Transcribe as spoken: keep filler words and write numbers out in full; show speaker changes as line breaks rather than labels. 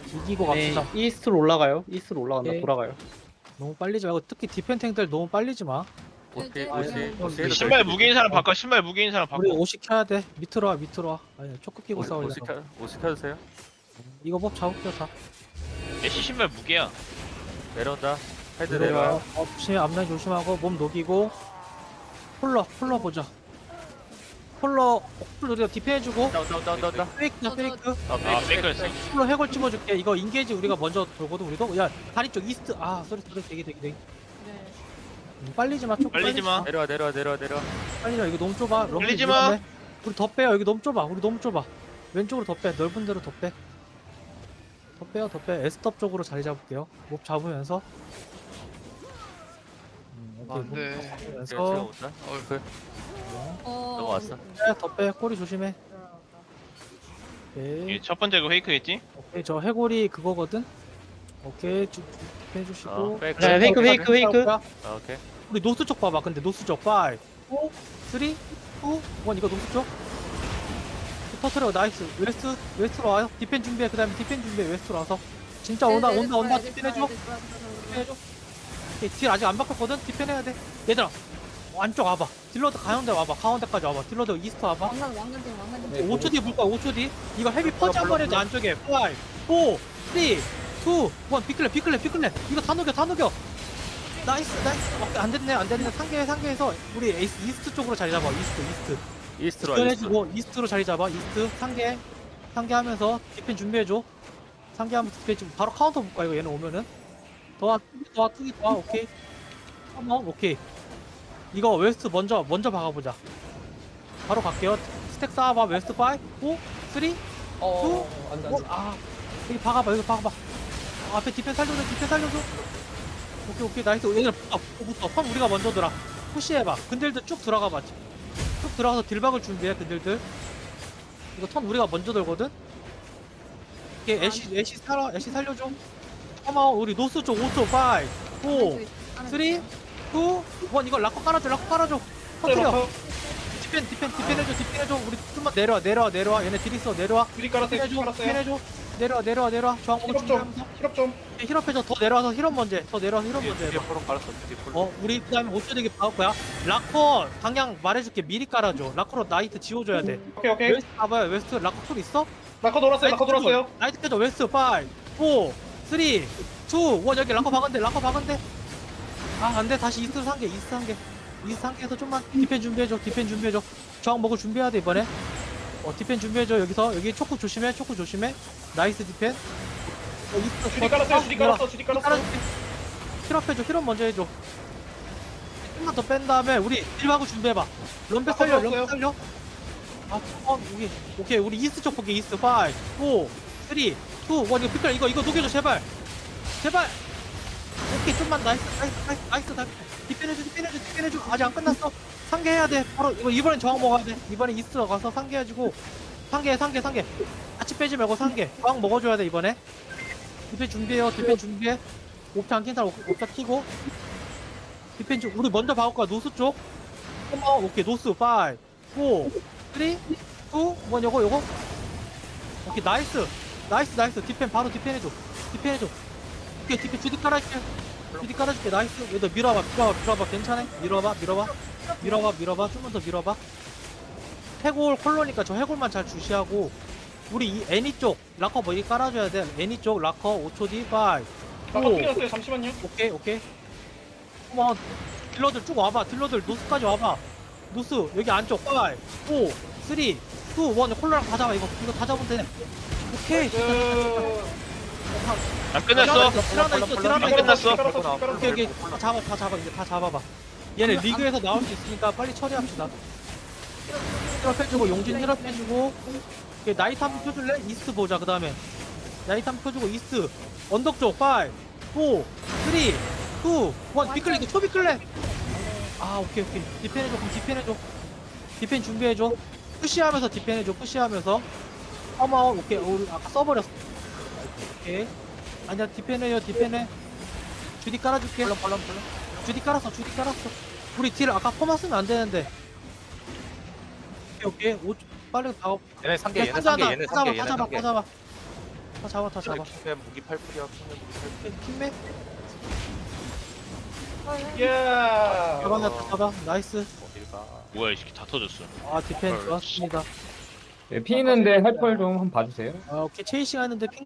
이기고
네,
갑시다.
이스트로 올라가요. 이스트로 올라간다.
오케이.
돌아가요.
너무 빨리지 말고 특히 디펜탱들 너무 빨리지 마.
오시
네,
오시
네.
오시 해도
신발
될
무게인 사람 바꿔. 신발 무게인 사람 바꿔.
우리 오십 켜야 돼. 밑으로 와 밑으로 와. 아니 초크 끼고
오시
싸우려고.
오시 켜 오시 켜주세요.
이거 법 잡을게요 다.
애쉬 신발 무게야.
내려온다. 헤드
내려와요.
내려와.
어, 조심해 앞라인 조심하고 몸 녹이고. 폴러 폴러 보자. 폴러 폴러 우리가 디펜해주고.
다운 다운 다운 다운 다운.
페이크다
저, 저,
페이크.
아,
아 페이크였어.
폴러 해골 찍어줄게. 이거 인게이지 우리가 먼저 돌거든 우리도. 야 다리 쪽 이스트. 아 소리 소리 되게 되게 되게.
네.
음, 빨리지 마. 쪽
빨리지 마.
내려와 내려와 내려와 내려와.
빨리 와. 이거 너무 좁아. 럼블
빨리지 마.
위험해. 우리 더 빼요. 여기 너무 좁아. 우리 너무 좁아. 왼쪽으로 더 빼. 넓은 데로 더 빼. 더 빼요. 더 빼. 에스톱 쪽으로 자리 잡을게요. 몹 잡으면서. 음, 오케이.
안 돼.
몹
제가
잡으면서.
제가 온다.
어,
그
어,
넘어왔어.
빼. 더 빼. 꼬리 조심해. 오케이.
이게 첫 번째 그 페이크겠지?
오케이. 저 해골이 그거거든. 오케이. 쭉 해주시고.
어, 백.
자, 페이크, 페이크, 페이크.
아, 오케이.
우리 노스 쪽 봐봐. 근데 노스 쪽 오, 삼, 이, 일 이거 노스 쪽. 터트려. 나이스. 웨스트 웨스트로 와요. 디펜 준비해. 그다음에 디펜 준비해. 웨스트로 와서. 진짜
네,
온다
네,
온다
네,
온다.
네,
디펜
네,
해줘.
네, 네, 네,
디펜
네.
해줘. 오케이, 딜 아직 안 바꿨거든. 디펜 해야 돼. 얘들아. 안쪽 와봐. 딜러드 가운데 와봐. 가운데까지 와봐. 딜러드 이스트 와봐.
왕관 왕관등 왕관등.
네, 오 초 뒤에 볼 거야. 오 초 뒤. 이거 헤비 펀치 한 번 해줘. 안쪽에. 오, 사, 삼, 이, 일. 비클레 비클레 비클레. 이거 다 녹여 다 녹여. 나이스 나이스. 어, 안 됐네 안 됐네. 상계 상계에서 우리 에이스 이스트 쪽으로 자리 잡아. 이스트 이스트.
이스트로 와. 이스트.
디펜해주고 이스트로 자리 잡아. 이스트 상계 상계하면서 디펜 준비해줘. 상계하면서 디펜 지금 바로 카운터 볼까 이거 얘는 오면은. 더와 더와 투기 더와 오케이. 한번 오케이. 이거 웨스트 먼저 먼저 박아보자. 바로 갈게요. 스택 쌓아봐. 웨스트 오, 사, 삼, 이,
어, 안 돼, 안 돼.
아 여기 박아봐. 여기 박아봐. 아, 앞에 디펜 살려줘. 디펜 살려줘. 오케이 오케이 나이스. 얘들아 붙어 붙어. 펌 우리가 먼저 들어. 푸시해봐. 근들들 쭉 들어가봐. 쭉 들어가서 딜박을 준비해. 근들들. 이거 턴 우리가 먼저 들거든. 이게 애쉬 애쉬 살아. 애쉬 살려줘. 어머 우리 노스 쪽 오 초 오, 사, 삼, 이, 일 이거 락커 깔아줘. 락커 깔아줘. 터트려. 디펜 디펜 디펜 해줘. 디펜 해줘. 우리 좀만 내려와 내려와 내려와. 얘네 딜 있어. 내려와.
미리
디펜
깔았어요.
해줘.
깔았어요.
디펜 해줘. 내려와 내려와 내려와. 저항 먹을
힐업 좀.
준비하면서.
힐업 좀.
힐업 해줘. 더 내려와서 힐업 먼저 해. 더 내려와서 힐업 먼저
뒤에
해봐.
포로 깔았어. 뒤에 포로.
어 우리 그 다음에 오 초 되게 박을 거야. 락커 방향 말해줄게. 미리 깔아줘. 락커로 나이트 지워줘야 돼.
오케이 오케이.
웨스트 봐봐요. 웨스트 락커 툴 있어?
라커 돌았어요. 라커 돌았어요.
나이트 켜줘. 웨스트 오, 사, 삼, 이, 일 여기 락커 박은데 락커 박은데 아 안돼. 다시 이스트 상계 이스트 상계 이스트 상계에서 좀만 디펜 준비해줘. 디펜 준비해줘. 저항 먹을 준비해야 돼 이번에. 어 디펜 준비해줘. 여기서 여기 초크 조심해. 초크 조심해. 나이스 디펜. 어, 이스트
주디 깔았어요. 주디 깔았어. 주디 깔았어.
깔아줄게. 힐업 해줘. 힐업 먼저 해줘. 좀만 더 뺀 다음에 우리 딜하고 준비해봐. 럼백 살려.
아,
럼백 살려. 아, 어, 여기. 오케이. 우리 이스트 쪽 볼게. 이스트 오, 사, 삼, 이, 일 이거 피클 이거 이거 녹여줘 제발. 제발. 오케이. 좀만 나이스. 나이스. 나이스. 나이스. 나이스. 디펜해줘. 디펜해줘. 디펜해줘. 아직 안 끝났어. 상계해야 돼. 바로 이거 이번엔 저항 먹어야 돼. 이번엔 이스트 가서 상계해주고 상계 상계 상계. 같이 빼지 말고 상계. 저항 먹어줘야 돼 이번에. 디펜 준비해요. 디펜 준비해. 옵차 안킨 사람 옵- 옵차 키고. 디펜 쪽 우리 먼저 박을 거야. 노스 쪽. 어, 오케이. 노스 오, 사, 삼, 이, 일 요거 요거. 오케이. 나이스. 나이스 나이스. 디펜 바로 디펜 해줘. 디펜 해줘. 오케이. 디펜 주디 깔아줄게. 주디 깔아줄게. 나이스. 얘들 밀어봐. 밀어봐. 밀어봐. 괜찮아? 밀어봐. 밀어봐. 밀어봐. 밀어봐. 좀만 더 밀어봐. 해골 콜로니까 저 해골만 잘 주시하고. 우리 이 애니 쪽 락커 머리 깔아줘야 돼. 애니 쪽 락커 오 초 뒤 오,
라커 튕겼어요. 잠시만요.
오케이 오케이. 어머 딜러들 쭉 와봐. 딜러들 노스까지 와봐. 노스 여기 안쪽 오, 사, 삼, 이, 일 콜라랑 다 잡아. 이거 이거 다 잡으면 돼. 오케이.
그
안 끝났어.
딜 하나 있어. 딜 하나
안
있어.
끝났어.
오케이 오케이. 다 잡아 다 잡아. 이제 다 잡아봐. 얘네 리그에서 나올 수 있으니까 빨리 처리합시다. 힐업 해주고 용진 힐업 해주고. 오케이, 나이트 한번 펴줄래? 이스트 보자. 그 다음에 나이트 한번 펴주고 이스트 언덕 쪽 오, 사, 삼, 이, 일 비클레 이거 초비클레. 아 오케이 오케이. 디펜 해줘. 그럼 디펜 해줘. 디펜 준비해줘. 푸시하면서 디펜 해줘. 푸시하면서 어머 오케이. 어, 우리 아까 써버렸어. 오케이. 아니야 디펜 해요. 디펜 해. 주디 깔아줄게.
벌렁 벌렁 벌렁.
주디 깔았어. 주디 깔았어. 우리 딜 아까 퍼마 쓰면 안 되는데. 오케이 오케이. 오, 빨리 다
얘네 상계 얘네
다
상계
잡아,
얘네
다 잡아,
상계
다
얘네
잡아,
상계.
다 잡아. 다 잡아 다 잡아.
킹맨 무기 팔 풀이야. 킹맨 무기 팔 풀.
킹맨
예.
잡아놨다 잡아. 나이스.
어딜 가.
뭐야 이 새끼 다 터졌어.
아 디펜 좋았습니다.
네, 피 있는데 할 펄 좀 한번 봐주세요.
아 오케이 체이싱 하는데 핑